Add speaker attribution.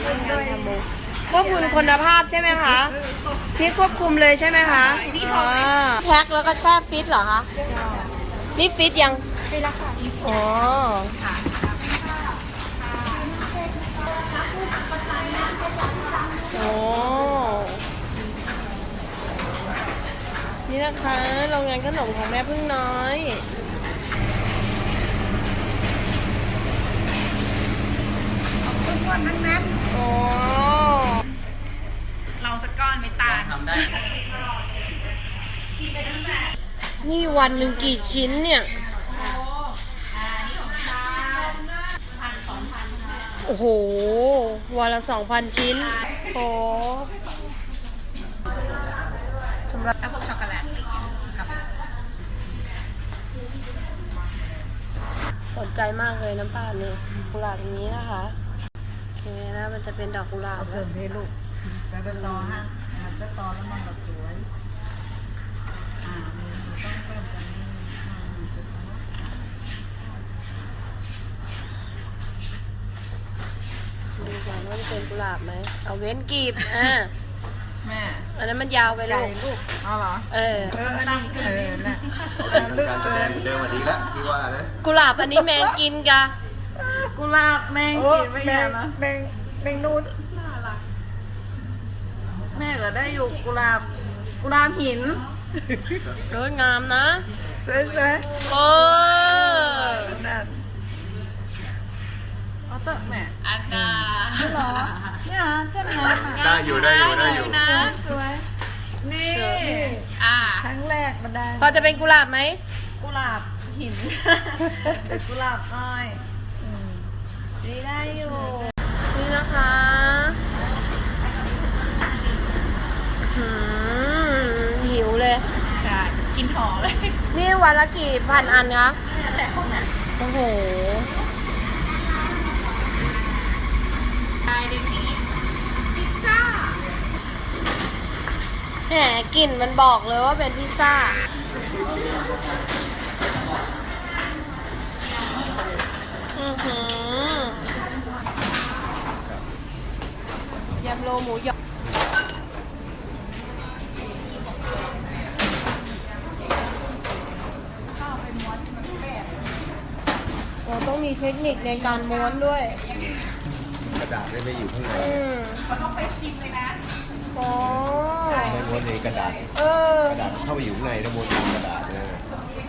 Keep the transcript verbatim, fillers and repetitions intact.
Speaker 1: ควบคุมคุณภาพใช่ไหมคะพี่ควบคุมเลยใช่ไหมคะอ๋อแพ็คแล้วก็แช่ฟิตเหรอคะนี่ฟิตยังฟิตแล้วค่ะอ๋อโอ้นี่นะคะโรงงานขนมของแม่พึ่งน้อย
Speaker 2: ทุกคนทั้งนั้น
Speaker 1: โอ้
Speaker 2: เราสักก้อนไม่ตายทำได้
Speaker 1: นี่วันหนึ่งกี่ชิ้นเนี่ยโอ้โหวันละสองพันชิ้นโอ้สำหรับ
Speaker 2: แล้วพวกช็อกโกแลตอะไรอย่างเงี้ยครับ
Speaker 1: สนใจมากเลยน้ำป่านนี่กุหลาบอย่างนี้นะคะโอเคนะมันจะเป็นดอกกุหลาบ
Speaker 2: เติมเทลูกไปเป็นตอฮะมันก็ตอแล้วมันแบบสวยอ่ามันต้องเพิ่มตรงนี้
Speaker 1: ดูก่อนว่าจะเป็นกุหลาบไหมเอาเว้นกีบอ่า
Speaker 2: แม่
Speaker 1: อันนั้นมันยาวไปลูก
Speaker 2: ลูกเอาเหรอ
Speaker 1: เออ
Speaker 2: เออนั่งเออน่ะ
Speaker 3: การแสดงเหมือนเดิมมาดีแล้วพี่ว่านะ
Speaker 1: กุหลาบอันนี้แมงกินกะ
Speaker 2: กุหลาบแมงกินไม่แย่นะแมงแมงนูนแม่ก็ได้อยู่กุหลาบกุหลาบหิน
Speaker 1: สวยงามนะ
Speaker 2: สวย
Speaker 1: โอ้
Speaker 2: ๆนั่นเอาเตอะแม่
Speaker 1: อากา
Speaker 2: เหรอเนี่ยเต้นงาน
Speaker 3: ได้อยู่ได้อยู่ได้อยู่
Speaker 2: สวยนี่
Speaker 1: อ่า
Speaker 2: ครั้งแรกมันได้
Speaker 1: พอจะเป็นกุหลาบไหม
Speaker 2: กุหลาบหินเป็นกุหลาบอ้อยอืมนี่ได้อยู่
Speaker 1: นี่นะคะหืมหิวเลย
Speaker 2: กินหอเลย
Speaker 1: นี่วันละกี่พันอันคะ
Speaker 2: แต่ห้องน่ะ
Speaker 1: โอ้โห
Speaker 2: ได้ดิพี่พิซซ่า
Speaker 1: แหมกลิ่นมันบอกเลยว่าเป็นพิซซ่า อือหือยำโลหมูหยองโอ้ต้องมีเทคนิคในการม้วนด้วย
Speaker 3: กระดาษได้ไม่อยู่ข้างใน
Speaker 1: อืม
Speaker 2: เขาต้องไปซิมเลยนะ
Speaker 1: โอ้
Speaker 3: ไม่ม้วนในกระดาษ
Speaker 1: เออ
Speaker 3: กระดาษเข้าไปอยู่ข้างในแล้วม้วนตามกระดาษนะ